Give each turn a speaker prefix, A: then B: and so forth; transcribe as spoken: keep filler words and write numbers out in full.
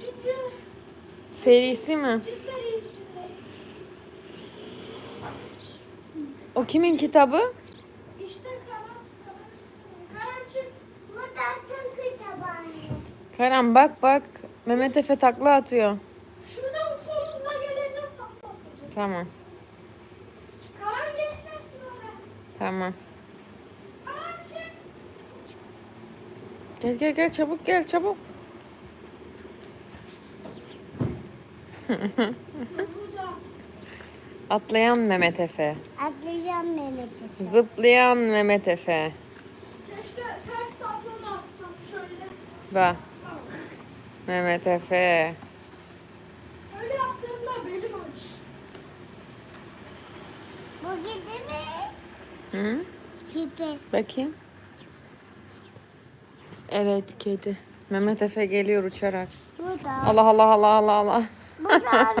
A: Üçüncü.
B: Serisi mi?
A: Bir serisinde.
B: O kimin kitabı?
A: İşte Karan. Karancık. Bu dersin kitabı.
B: Karan bak bak. Mehmet Efe takla atıyor.
A: Şuradan solumuza geleceğim.
B: Tamam.
A: Karan geçmesin oraya.
B: Tamam.
A: Karancık.
B: Gel gel gel çabuk gel çabuk.
A: Burada.
B: Atlayan Mehmet Efe.
C: Atlayacağım Mehmet Efe.
B: Zıplayan Mehmet Efe.
A: Keşke ters tablonu atsam şöyle.
B: Bak. Mehmet Efe.
A: Öyle yaptığımda belim aç.
C: Bu kedi mi?
B: Hı?
C: Kedi.
B: Bakayım. Evet kedi. Mehmet Efe geliyor uçarak.
C: Bu da.
B: Allah Allah Allah Allah Allah.
C: Bu da